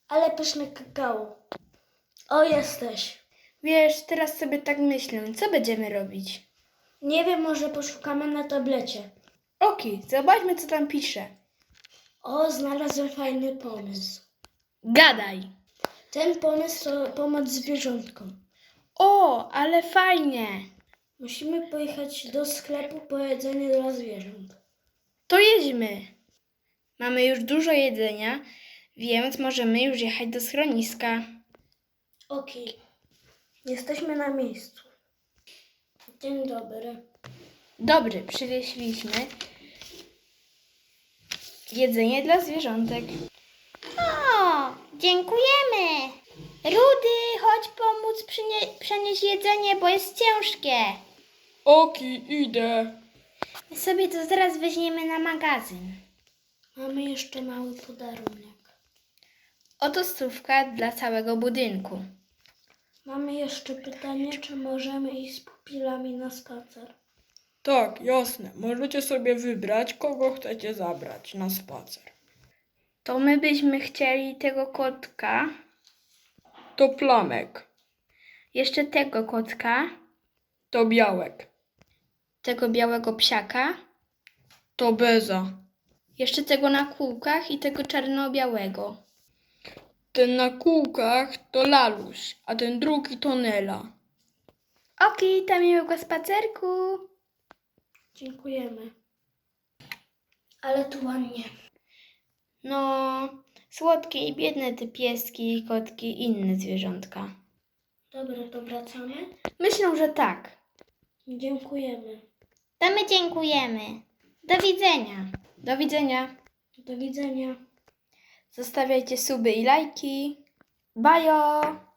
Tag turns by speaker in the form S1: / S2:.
S1: Ale pyszne kakao. O, jesteś.
S2: Wiesz, teraz sobie tak myślę, co będziemy robić?
S1: Nie wiem, może poszukamy na tablecie.
S2: Okej, zobaczmy, co tam pisze.
S1: O, znalazłem fajny pomysł.
S2: Gadaj!
S1: Ten pomysł to pomoc zwierzątkom.
S2: O, ale fajnie!
S1: Musimy pojechać do sklepu po jedzenie dla zwierząt.
S2: To jedźmy! Mamy już dużo jedzenia, więc możemy już jechać do schroniska.
S1: Okej. Jesteśmy na miejscu. Dzień dobry.
S2: Dobry, przywieźliśmy jedzenie dla zwierzątek. O, dziękujemy! Rudy, chodź pomóc przenieść jedzenie, bo jest ciężkie.
S3: Oki, idę.
S2: My sobie to zaraz weźmiemy na magazyn.
S1: Mamy jeszcze mały podarunek.
S2: Oto stówka dla całego budynku.
S1: Mamy jeszcze pytanie, czy możemy iść z pupilami na spacer?
S3: Tak, jasne. Możecie sobie wybrać, kogo chcecie zabrać na spacer.
S2: To my byśmy chcieli tego kotka,
S3: To Plamek,
S2: jeszcze tego kotka,
S3: to Białek,
S2: tego białego psiaka,
S3: to Beza.
S2: jeszcze tego na kółkach i tego czarno-białego.
S3: Ten na kółkach to Laluś, a ten drugi to Nela.
S2: Okej, to miłego spacerku.
S1: Dziękujemy. Ale tu ładnie.
S2: No, słodkie i biedne te pieski, kotki i inne zwierzątka.
S1: Dobra, to wracamy?
S2: Myślę, że tak.
S1: Dziękujemy.
S2: To my dziękujemy. Do widzenia. Do widzenia.
S1: Do widzenia.
S2: Zostawiajcie suby i lajki. Bajo!